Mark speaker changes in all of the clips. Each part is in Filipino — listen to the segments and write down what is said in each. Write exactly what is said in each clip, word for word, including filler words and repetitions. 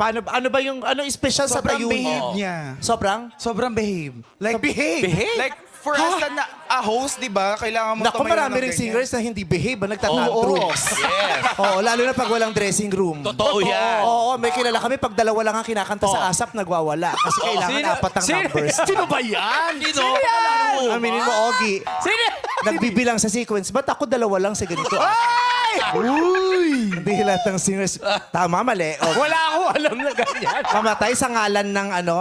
Speaker 1: Paano, ano ba yung, ano special sa
Speaker 2: Sobrang
Speaker 1: tayo
Speaker 2: behave
Speaker 1: niya?
Speaker 2: niya.
Speaker 1: Sobrang?
Speaker 2: Sobrang behave. Like,
Speaker 1: behave?
Speaker 3: Behave?
Speaker 2: Like, for us na a host, di ba? Kailangan mo
Speaker 1: Naku,
Speaker 2: tumayo
Speaker 1: marami
Speaker 2: ng
Speaker 1: ring
Speaker 2: ganyan.
Speaker 1: singers na hindi behave, ba? Nagtatantrums.
Speaker 3: Oo. Yes.
Speaker 1: Oo, lalo na pag walang dressing room.
Speaker 3: Totoo yan.
Speaker 1: Oo, may kilala kami, pag dalawa lang ang kinakanta sa ASAP, nagwawala. Kasi kailangan apat ang numbers.
Speaker 3: Sino ba yan? Sino? yan?
Speaker 1: Aminin mo, Ogie.
Speaker 3: Sino?
Speaker 1: Nagbibilang sa sequence. Ba't ako dalawa lang sa ganito? Uy! Hindi lahat ng singers. Tama, mali. O,
Speaker 3: Wala akong alam na ganyan.
Speaker 1: mamatay sa ngalan ng ano?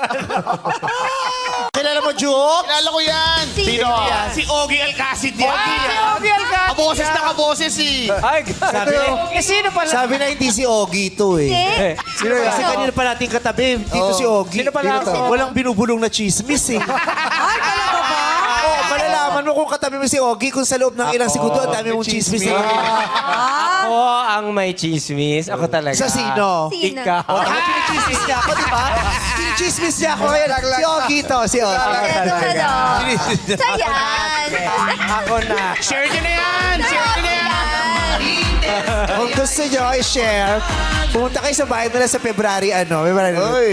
Speaker 1: Kilala mo, Juke?
Speaker 4: Kilala ko yan.
Speaker 3: Sino?
Speaker 4: Si Ogie Alcacid yan.
Speaker 3: Si Ogie Alcacid.
Speaker 4: Kaboses na kaboses eh.
Speaker 3: Ay,
Speaker 1: Sabi,
Speaker 3: eh, sino pala?
Speaker 1: sabi na hindi si Ogie to eh.
Speaker 3: Eh,
Speaker 1: Sino Kasi kanina pa natin katabi, dito si Ogie.
Speaker 3: Sino pala
Speaker 1: Dito.
Speaker 3: ako?
Speaker 1: Walang binubulong na chismis eh.
Speaker 5: Ay, talaga ba?
Speaker 1: Oo, malalaman mo kung katabi mo si Ogie kung sa loob ng ilang segundo, ang dami mong chismis. eh.
Speaker 5: Ah,
Speaker 3: Ako ang may chismis. Ako talaga.
Speaker 1: Sa sino?
Speaker 5: Sino?
Speaker 3: Ikaw.
Speaker 1: Oh, ako chinichismis niya ako, di ba? Chinichismis niya ako. Ayan, si Ogie to, si Ogie.
Speaker 5: Ito, hello. So, yan.
Speaker 3: Ako na.
Speaker 4: Share nyo na yan. Share nyo na yan.
Speaker 1: Kung gusto nyo i-share, pumunta kayo sa bahay nila sa February, ano, February. Uy!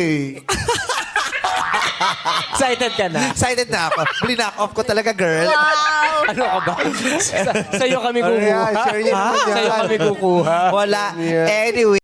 Speaker 3: Excited ka na?
Speaker 1: Excited na ako. Blinak off ko talaga, girl.
Speaker 5: Wow.
Speaker 3: Ano ka ba? Sa, sa'yo kami
Speaker 1: Ano
Speaker 3: kukuha.
Speaker 1: yan? Share nyo naman yan.
Speaker 3: Sa'yo kami kukuha.
Speaker 1: Wala. Anyway.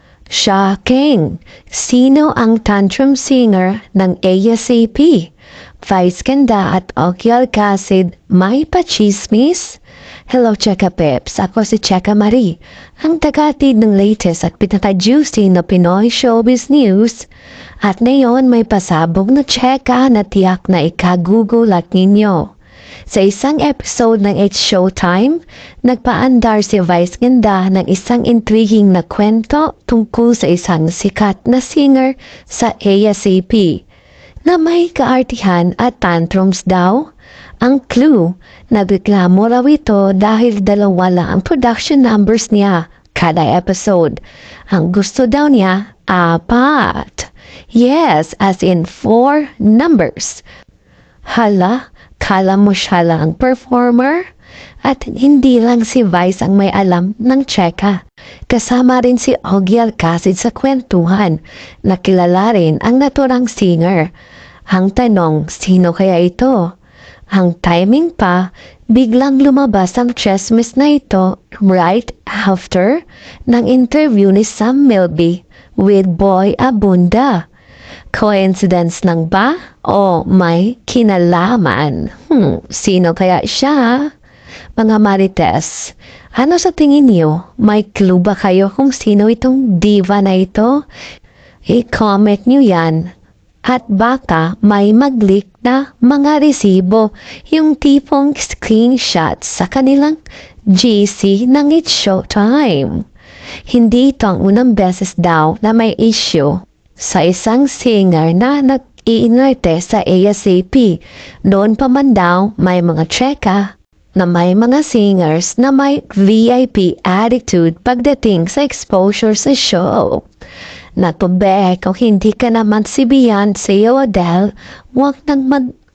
Speaker 6: Shocking! Sino ang tantrum singer ng A S A P? Vice Ganda at Ogie Alcacid, may pachismis? Hello, Cheka Peps. Ako si Cheka Marie, ang tagatid ng latest at pinaka-juicy na Pinoy showbiz news. At ngayon may pasabog na Cheka na tiyak na ikagugulat ninyo. Sa isang episode ng It's Showtime, nagpaandar si Vice Ganda ng isang intriguing na kwento tungkol sa isang sikat na singer sa A S A P na may kaartihan at tantrums daw. Ang clue, nagreklamo raw ito dahil dalawa lang ang production numbers niya kada episode. Ang gusto daw niya, apat. Yes, as in four numbers. Hala, kala mo siya lang ang performer? At hindi lang si Vice ang may alam ng Cheka. Kasama rin si Ogie Alcacid sa kwentuhan, na kilala rin ang naturang singer. Ang tanong, sino kaya ito? Ang timing pa, biglang lumabas ang chismis na ito right after ng interview ni Sam Milby with Boy Abunda. Coincidence lang ba? O may kinalaman? Hmm, sino kaya siya? Mga Marites, ano sa tingin niyo? May clue ba kayo kung sino itong diva na ito? I-comment niyo yan. At baka may mag-leak na mga resibo, yung tipong screenshot sa kanilang G C ng It's Showtime. Hindi ito ang unang beses daw na may issue sa isang singer na nag-iinerte sa A S A P. Noon pa man daw may mga Cheka na may mga singers na may V I P attitude pagdating sa exposure sa show. Natubek kung hindi ka naman si Beyonce o Adele, huwag nang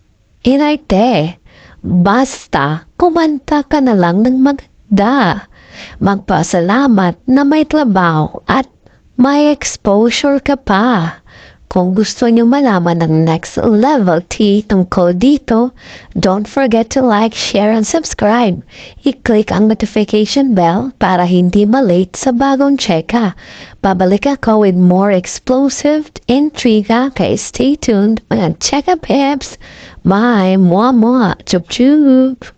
Speaker 6: mag-inarte. Basta, kumanta ka na lang ng magda. Magpasalamat na may trabaho at may exposure ka pa. Kung gusto niyo malaman ng next level tea tungkol dito, don't forget to like, share, and subscribe. I-click ang notification bell para hindi malate sa bagong Cheka. Babalik ako with more explosive intriga, kaya stay tuned mga Cheka Peps. Bye! Mwah mwah! Chup chup!